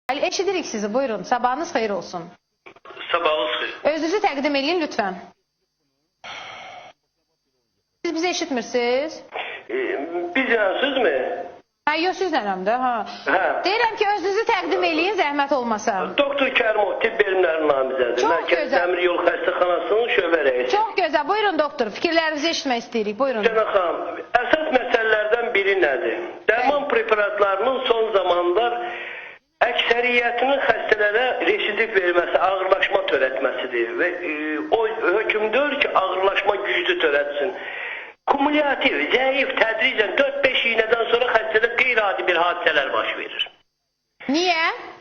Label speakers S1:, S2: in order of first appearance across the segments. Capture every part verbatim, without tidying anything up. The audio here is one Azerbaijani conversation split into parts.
S1: Ali, eşidirik sizi, buyurun. Sabahınız xeyir olsun.
S2: Sabahınız xeyir.
S1: Özünüzü təqdim edin lütfen. Siz bizi eşitmirsiniz?
S2: E, bizlə sizmi?
S1: Ha, yox, sizlənəm də. Ha.
S2: Hə.
S1: Deyirəm ki, özünüzü təqdim edin, zəhmət olmasa.
S2: Doktor Kərimov tibb bilimləri namizədi.
S1: Çox
S2: Mərkəz
S1: gözəl.
S2: Dəmir Yol Xəstəxanasının şöbə rəisi.
S1: Çox gözəl. Buyurun doktor, fikirlərinizi eşitmək istəyirik. Buyurun.
S2: Cənab xanım, əsas məsələlərdən biri nədir? Dərman preparatlarının son zamanlar əksəriyyətinin xəstələrə residiv verməsi, ağırlaşma törətməsidir və e, o hökmdür ki, ağırlaşma güclü törətsin. Kumulativ, zəif, tədricən dörd beş iynədən sonra xəstədə qeyri-adi bir hadisələr baş verir.
S1: Niyə?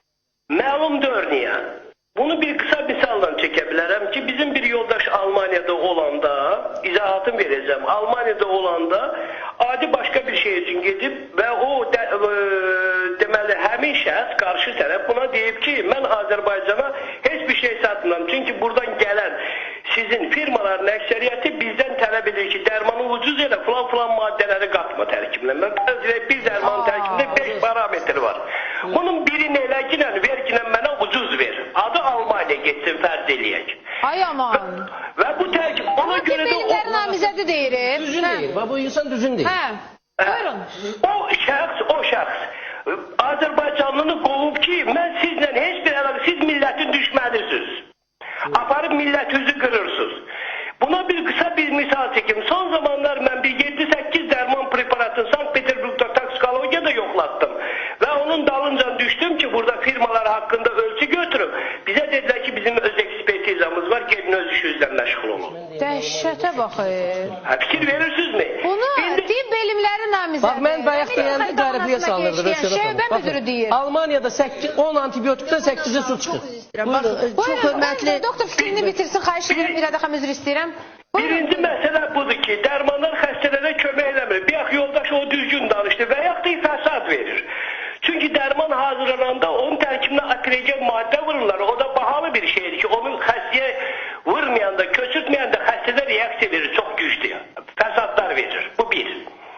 S2: Məlumdur niyə? Bunu bir kısa misalla çəkə bilərəm ki, bizim bir yoldaş Almaniyada olanda, izahatını verəcəm, Almaniyada olanda adi başqa bir şey üçün gedib və o də, e, deməli həmin şəxs, qarşı tərəf buna deyib ki, mən Azərbaycana heç bir şey satmıram. Çünki buradan gələn sizin firmaların əksəriyyəti bizdən tələb edir ki, dərmanı ucuz elə filan filan maddələri qatma tərkibinə. Mən bir dərmanın tərkibində beş parametri var. Bunun birini eləginə, verginə mənə ucuz ver. Adı Almaniya getsin, fərz eləyək.
S1: Ay aman.
S2: Və, və bu tərkib ona
S1: Ama
S2: görə də...
S1: Ama namizədi deyirim.
S3: Düzün deyil. Bu insan düzün deyil.
S1: Hə. Buyurun.
S2: O şəxs, o şəxs Azərbaycanlını qovub ki, mən sizlə heç bir əlaqə, siz millətin düşmənisiniz. Aparıb millətinizi qırırsınız. Buna bir kısa bir misal çekim. Son zamanlar mən bir yedi səkkiz dərman preparatını Sankt Peterburg'da toksikologiyada yoxlattım. Və onun dalınca düşdüm ki, burada firmalar haqqında ölçü götürüb. Bizə dedilər ki, bizim öz ekspertizamız var, gedin öz işinizlə məşğul olun.
S1: Dəhşətə baxır.
S2: Hə, fikir verirsinizmi?
S1: Bunu
S2: İndi...
S1: tibb bilimləri namizədi.
S3: Bax, mən bayaq deyəndə qaribliyə salınırdı.
S1: Şöbə müdürü deyir.
S3: Almaniyada on antibiotikdən səkkizi su çıxır.
S4: Bax, çox hörmətli...
S1: Doktor fikrini bitirsin, xahiş edirəm, bir adaqam üzr istəyirəm.
S2: Birinci məsələ budur ki, dərmanlar xəstələrə kömək eləmir. Bir yax yoldaş o düzgün danışdı və yax da fəsad verir. Çünki dərman hazırlananda onun tərkibinə akrejen maddə vururlar. O da bahalı bir şeydir ki, onun xəstəyə vurmayanda, köçürtməyəndə xəstədə reaksiya verir, çox güclü. Fəsadlar verir. Bu bir.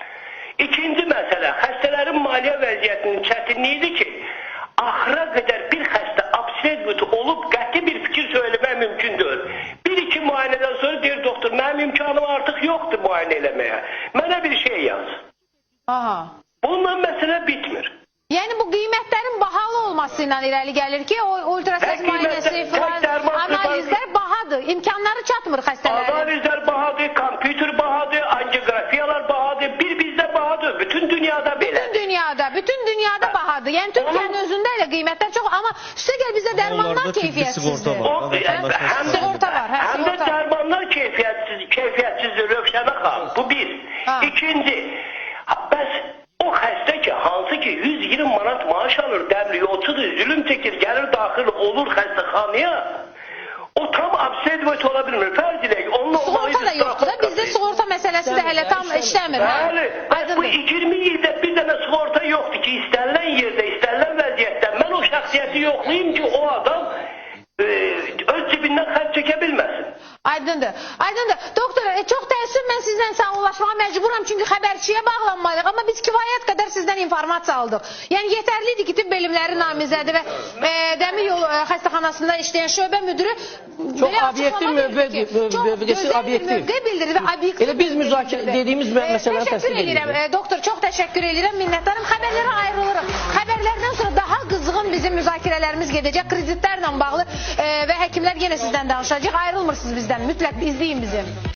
S2: İkinci məsələ, xəstələrin maliyyə vəziyyətinin çətinliyidir ki, axıra qədər bir xəstə absent olub qəti bir fikir söyləmək mümkün deyil. Bir-iki müayinədən sonra deyir doktor, mənim imkanım artıq yoxdur müayinə eləməyə. Mənə bir şey yaz.
S1: Aha.
S2: Bununla məsələ bitmir.
S1: Yəni bu qiymətlərin bahalı olması ilə irəli gəlir ki, o ultrases müayinəsi filan, analizlər bahadır, imkanları çatmır xəstələrin.
S2: Analizlər bahadır, kompüter bahadır, angiografiyalar bahadır, bir bizdə bahadır, bütün dünyada belə.
S1: Bütün dünyada, bütün dünyada bahadır. Yəni Türkiyənin özündə elə qiymətlər çox, amma üstə gəl bizdə dərmanlar keyfiyyətsizdir.
S2: Həm də
S1: Sığorta var, hə,
S2: həm də
S1: sığorta.
S2: dərmanlar keyfiyyətsiz, keyfiyyətsizdir, Rövşənə xanım. Bu bir. İkinci, bəs o xəstə ki, hansı ki yüz iyirmi manat maaş alır, dəmir yolçudur, zülüm çəkir, gəlir daxil olur xəstəxanaya, o tam absedvet ola bilmir. Fərz edək, onunla
S1: Sığorta da yoxdur da, bizdə sığorta məsələsi də hələ tam işləmir.
S2: Bəli, bu iyirmi ildə bir dənə sığorta yoxdur ki, istənilən yerdə, istənilən vəziyyətdə mən o şəxsiyyəti yoxlayayım ki, o adam e, öz cibindən xərc çəkə bilməsin.
S1: Aydındır. Aydındır. Doktor, e, çox təəssüf mən sizlə sağollaşmağa məcburam çünki xəbərçiyə bağlanmalıyıq. Amma biz kifayət qədər sizdən informasiya aldıq. Yəni yetərlidir ki, tibb bilimləri namizədi və e, Dəmir Yolu e, xəstəxanasında işləyən şöbə müdürü
S3: Çox obyektiv mövqe
S1: bildirdi və obyektiv.
S3: Elə biz müzakirə dediyimiz məsələləri təsdiq
S1: edirəm. E, doktor, çox təşəkkür edirəm, minnətdarım. Xəbərlərə ayrılırıq. Xəbərlərdən sonra daha qızğın bizim müzakirələrimiz gedəcək kreditlərlə bağlı e, və həkimlər yenə sizdən danışacaq. Ayrılmırsınız bizdən. Mütləq izləyin bizi.